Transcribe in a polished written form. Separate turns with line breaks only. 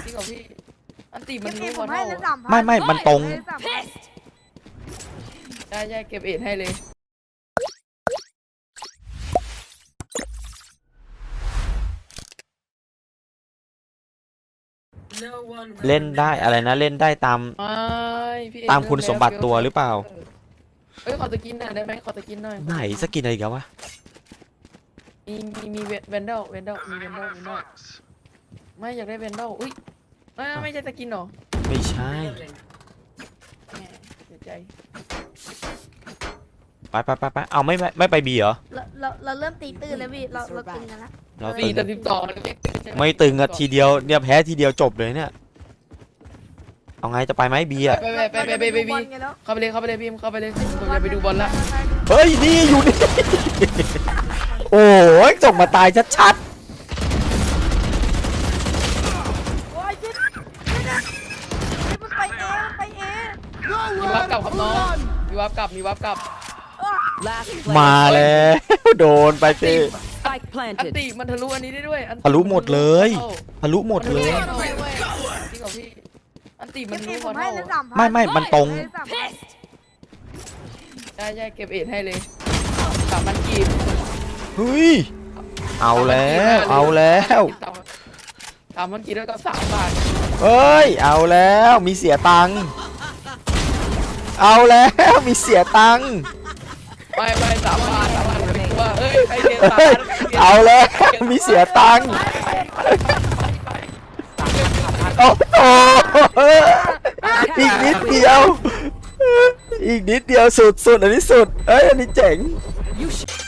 จริงเหรอพี่อันตีมันรู้
ผ
ว่าม
ให้
เท่า
เลย3,000
ไม่มันตรง
ได้เก็บเอ็ดให้เลย
เล่นได้อะไรนะเล่นได้ตาม
ไม่พี่เอ็ด
ตามคุณสมบัติตัวหรือเปล่า
เอ้ยขอตะกินหน่อยได้ไหมขอตะกินหน่อย
ไหนสกินอะไรกันวะ
มีเวนเดลมีเวนเดลไม่อยากได้เวนเดลอุ้ยไม่ใช่ตะกินหรอ
ไม่ใช่
แหมเสียใจ
ไปเอาไม่ไปบีเหรอ
เราเริ่มตีตื้นแล้วพี่เราตึงกันแล้ว
เรา
ปี
ตึง
แต่12
ไม่ตึงอะทีเดียวเนี่ยแพ้ทีเดียวจบเลยเนี่ยเอาไงจะไปไหมบีอะ
ไปบีเข้าไปเลยพี่เข้าไปเลยผมจะไปดูบอลละ
เฮ้ยนี่อยู่นี่ โอ้ยจบมาตายชัด
โอ้ยยิดมันไปเองไปเอง
มีวับกลับครับน้องมีวับกลับ
ๆมาแล้วโดนไปเต้
Spike
อัน
planted.
ติมันทะลุอันนี้ได้ด้วย
ทะลุหมดเลยทะลุหมดเลย
จริงเหรอพี่อันติมันรู้
ผ
ว่าม
ให้
เท่า
เลย3,000
ไม่มันตรง
ได้เก็บเอ็ดให้เลย3,000กีบ
เฮ้ยเอาแล้ว
3,000กีบแล้วก็3 บาท
เอ้ยเอาแล้วมีเสียตังค์เอาแล้วมีเสียตังค์
ไม่3 บาทว่าเอ้ยใครเสีย
เฮ้ยเอาแล้วมีเสียตังค์โอ้โหอีกนิดเดียวสุดอันนี้สุดเอ้ยอันนี้เจ๋ง
You